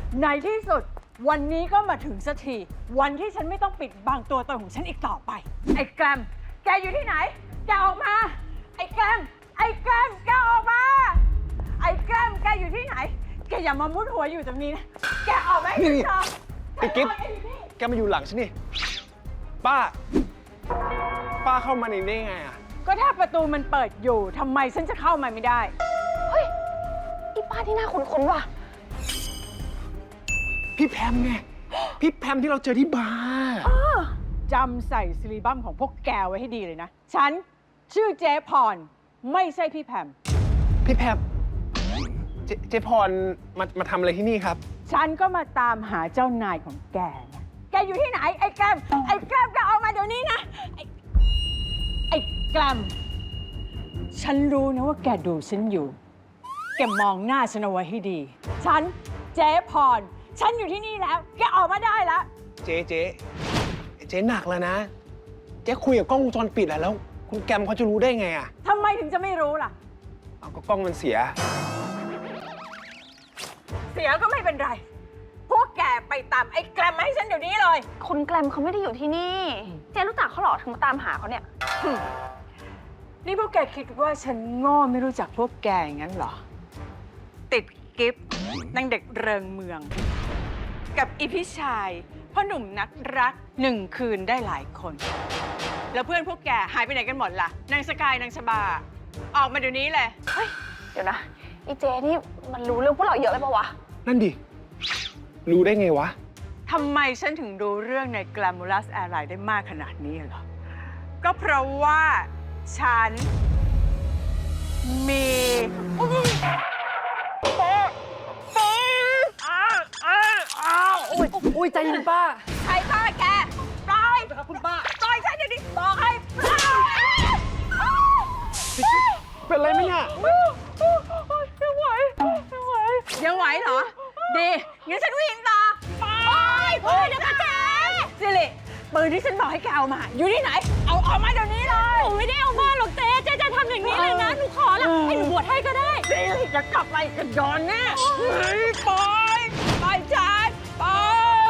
ในที่สุดวันนี้ก็มาถึงสักทีวันที่ฉันไม่ต้องปิดบังตัวตนของฉันอีกต่อไปไอ้แกรมแกอยู่ที่ไหนแกออกมาไอ้แกรมแกออกมาไอ้แกรมแกอยู่ที่ไหนแกอย่ามามุดหัวอยู่ตรงนี้นะแกออกมาให้ฉันเจอไอ้กิ๊บแกมาอยู่หลังฉันนี่ป้าเข้ามาในนี้ได้ไงอะก็ถ้าประตูมันเปิดอยู่ทำไมฉันจะเข้ามาไม่ได้เฮ้ยอีป้าที่น่าคุ้นๆว่ะพี่แพมไง พี่แพมที่เราเจอที่บาร์จำใส่ซิลิบัมของพวกแกไว้ให้ดีเลยนะ ฉันชื่อเจ๊พร ไม่ใช่พี่แพมพี่แพมเจ๊พรมาทำอะไรที่นี่ครับฉันก็มาตามหาเจ้านายของแกนะแกอยู่ที่ไหน ไอ้แกรมแกออกมาเดี๋ยวนี้นะ ไอ้แกรมฉันรู้นะว่าแกดูฉันอยู่ แกมองหน้าฉันเอาไว้ให้ดี ฉันเจ๊พร ฉันอยู่ที่นี่แล้ว แกออกมาได้แล้วเจ๊หนักแล้วนะ เจ๊คุยกับกล้องวงจรปิดแล้ว คุณแกมเขาจะรู้ได้ไงอะทำไมถึงจะไม่รู้ล่ะเอาก็กล้องมันเสียเสียก็ไม่เป็นไร พวกแกไปตามไอ้แกรมมาให้ฉันเดี๋ยวนี้เลยคุณแกรมเขาไม่ได้อยู่ที่นี่ เจ๊รู้จักเขาเหรอถึงมาตามหาเขาเนี่ยนี่พวกแกคิดว่าฉันโง่ไม่รู้จักพวกแกอย่างนั้นเหรอ ติดกิฟต์นางเด็กเริงเมือง กับอีพี่ชายพ่อหนุ่มนักรัก1 คืนได้หลายคน แล้วเพื่อนพวกแกหายไปไหนกันหมดล่ะ นางสกายนางชบา ออกมาเดี๋ยวนี้เลยเฮ้ย เดี๋ยวนะอีเจนี่มันรู้เรื่องพวกเราเยอะเลยปะวะนั่นดิ รู้ได้ไงวะทำไมฉันถึงรู้เรื่องใน Glamorous Airline ได้มากขนาดนี้เหรอ ก็เพราะว่าฉันมีอุ้ยใจเย็นป้าใครฆ่าแกปล่อยคุณป้าปล่อยฉันเดี๋ยวนี้บอกให้ปล่อยเป็นไรไหมเนี่ยยังไหวเหรอ ดีงั้นฉันวิ่งต่อไปเดี๋ยวแกสิริปืนที่ฉันบอกให้แกเอามา อยู่ที่ไหน เอาออกมาเดี๋ยวนี้เลยหนูไม่ได้เอามาหรอกเจ๊จะทำอย่างนี้เลยนะ หนูขอละให้หนูบวชให้ก็ได้สิริจะกลับไปกันย้อนแน่ปล่อยฉันปล่อย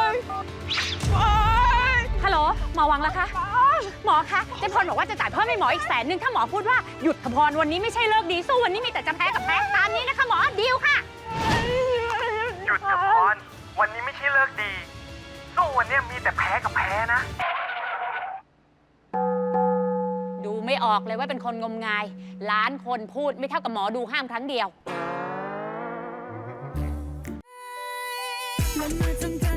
ฮัลโหลหมอวังแล้วคะหมอคะเจ๊พรบอกว่าจะจ่ายเพิ่มให้หมออีก100,000ถ้าหมอพูดว่าหยุดเถอะพรวันนี้ไม่ใช่เลิกดีสู้วันนี้มีแต่จะแพ้กับแพ้ตามนี้นะคะหมอดีลค่ะหยุดเถอะพรวันนี้ไม่ใช่เลิกดี สู้วันนี้มีแต่แพ้กับแพ้นะดูไม่ออกเลยว่าเป็นคนงมงายล้านคนพูดไม่เท่ากับหมอดูห้ามครั้งเดียวและเมื่อจำกัด